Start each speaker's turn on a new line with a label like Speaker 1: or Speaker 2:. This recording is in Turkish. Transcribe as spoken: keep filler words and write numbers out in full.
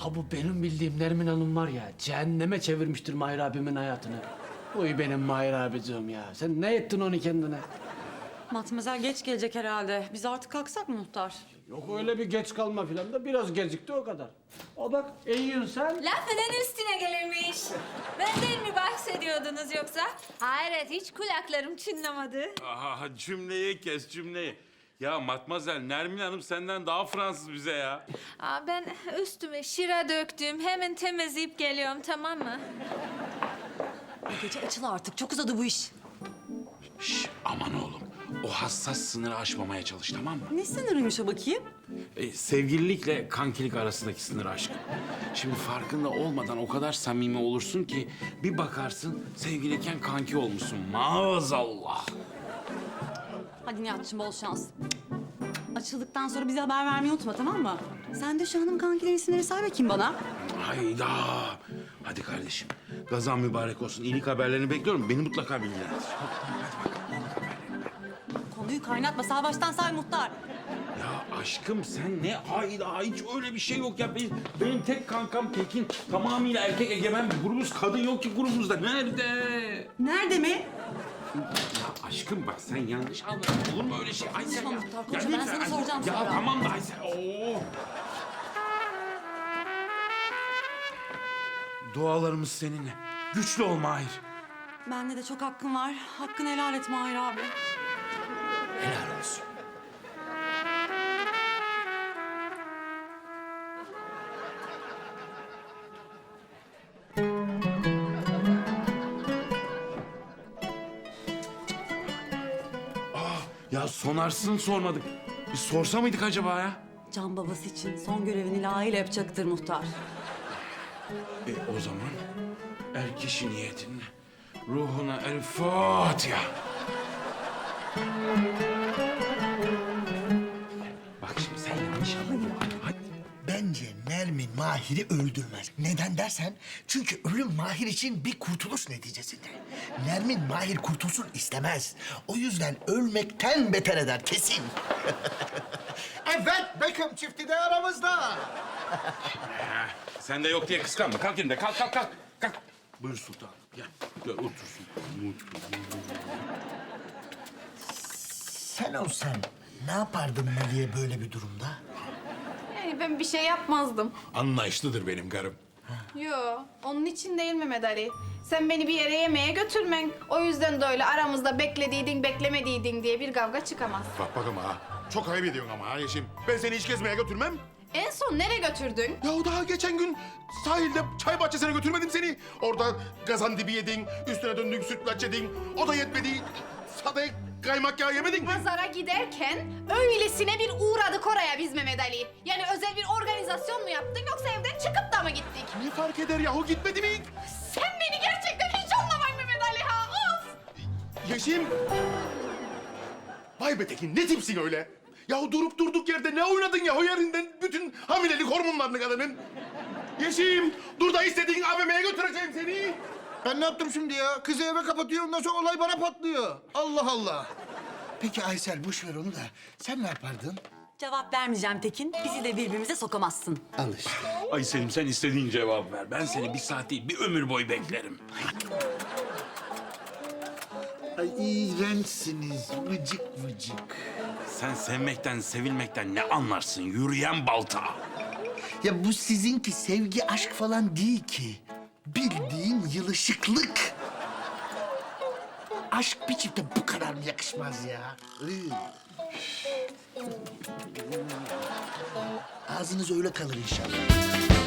Speaker 1: Ha bu benim bildiğim Nermin Hanım var ya, cehenneme çevirmiştir Mahir abimin hayatını. Uy benim Mahir abicim ya. Sen ne ettin onu kendine?
Speaker 2: Matmazel geç gelecek herhalde. Biz artık kalksak mı muhtar?
Speaker 1: Yok öyle bir geç kalma filan da biraz gecikti o kadar. O bak eğiyorsun sen.
Speaker 3: Lafının üstüne gelirmiş. Benden mi bahsediyordunuz yoksa? Hayret, hiç kulaklarım çınlamadı.
Speaker 4: Aha, cümleyi kes cümleyi. Ya Matmazel, Nermin Hanım senden daha Fransız bize ya.
Speaker 3: Aa, ben üstüme şıra döktüm. Hemen temizleyip geliyorum, tamam mı?
Speaker 2: Bu gece açıl artık. Çok uzadı bu iş.
Speaker 4: Şş, aman oğlum. O hassas sınırı aşmamaya çalış, tamam mı?
Speaker 2: Ne sınırıymış o bakayım?
Speaker 4: E, sevgililikle kankilik arasındaki sınır aşkım. Şimdi farkında olmadan o kadar samimi olursun ki... ...bir bakarsın sevgiliyken kanki olmuşsun. Maazallah.
Speaker 2: Hadi Nihat'cığım bol şans. Açıldıktan sonra bize haber vermeyi unutma, tamam mı? Sen de şu hanım kankilerin isimleri say bakayım bana.
Speaker 4: Hayda. Hadi kardeşim. Gazan mübarek olsun. İyilik haberlerini bekliyorum. Beni mutlaka bilgilendir.
Speaker 2: Konuyu kaynatma. Sağ baştan say muhtar.
Speaker 4: Ya aşkım sen ne hayda, hiç öyle bir şey yok ya. Benim, benim tek kankam Tekin. Tamamıyla erkek egemen bir grubuz. Kadın yok ki grubumuzda. Nerede?
Speaker 2: Nerede mi?
Speaker 4: Ya aşkım bak sen yanlış anladın. Olur mu öyle şey? Aysel
Speaker 2: Konuşma
Speaker 4: ya.
Speaker 2: muhtar, konuşma.
Speaker 4: Ya
Speaker 2: Ben
Speaker 4: lütfen.
Speaker 2: sana soracağım
Speaker 4: Ya
Speaker 2: sonra.
Speaker 4: tamam da Aysel. Oo. Dualarımız seninle. Güçlü ol Mahir.
Speaker 2: Bende de çok hakkın var. Hakkını helal et Mahir abi.
Speaker 1: Helal olsun.
Speaker 4: Ya sonarsın sormadık. Biz sorsa mıydık acaba ya?
Speaker 2: Can babası için son görevini layığıyla yapacaktır muhtar.
Speaker 4: E o zaman er kişi niyetinle ruhuna el Fatiha. Bak şimdi sen yanlış anladın. Hadi.
Speaker 5: Bence Nermin Mahir'i öldürmez. Neden dersen, çünkü ölüm Mahir için bir kurtuluş neticesinde. Nermin Mahir kurtulsun istemez. O yüzden ölmekten beter eder kesin. Evet, Beckham çifti de aramızda.
Speaker 4: Sen de yok diye kıskanma. Kalk yerinde. Kalk kalk kalk. Kalk. Buyur sultanım. Gel. Gel otursun.
Speaker 5: Sen olsan ne yapardın Mali'ye böyle bir durumda?
Speaker 6: Yani ben bir şey yapmazdım.
Speaker 7: Anlayışlıdır benim karım.
Speaker 6: Yo, onun için değil Mehmet Ali. Sen beni bir yere yemeğe götürmen. O yüzden de öyle aramızda beklediydin, beklemediydin diye bir kavga çıkamaz.
Speaker 7: Bak bak ama ha. Çok ayıp ediyorsun ama ha Yeşim. Ben seni hiç gezmeye götürmem.
Speaker 6: En son nereye götürdün?
Speaker 7: Ya daha geçen gün sahilde çay bahçesine götürmedim seni. Orada gazan dibi yedin, üstüne döndün sütlaç yedin. O da yetmedi. Sadece kaymak yağı yemedin mi?
Speaker 6: Pazara giderken öylesine bir uğradık oraya biz Mehmet Ali. Yani özel bir organizasyon mu yaptın yoksa evden çıkıp da mı gittik?
Speaker 7: Ne fark eder yahu, gitmedi mi?
Speaker 6: Sen beni gerçekten hiç anlamayın Mehmet Ali ha. Of!
Speaker 7: Yeşim. Vay be Tekin, ne tipsin öyle? Yahu durup durduk yerde ne oynadın yahu yerinden bütün hamilelik hormonlarını kadının? Yeşim, dur da istediğin A V M'ye götüreceğim seni.
Speaker 5: Ben ne yaptım şimdi ya? Kızı eve kapatıyor, ondan sonra olay bana patlıyor. Allah Allah. Peki Aysel, boş ver onu da. Sen ne yapardın?
Speaker 2: Cevap vermeyeceğim Tekin. Bizi de birbirimize sokamazsın.
Speaker 5: Al işte.
Speaker 4: Ay Selim sen istediğin cevap ver. Ben seni bir saat değil bir ömür boyu beklerim.
Speaker 5: Ay iğrençsiniz, vıcık vıcık.
Speaker 4: Sen sevmekten sevilmekten ne anlarsın yürüyen balta?
Speaker 5: Ya bu sizinki sevgi, aşk falan değil ki. Bildiğin yılışıklık. Aşk bir çifte bu kadar mı yakışmaz ya? Iy. Ağzınız öyle kalır inşallah.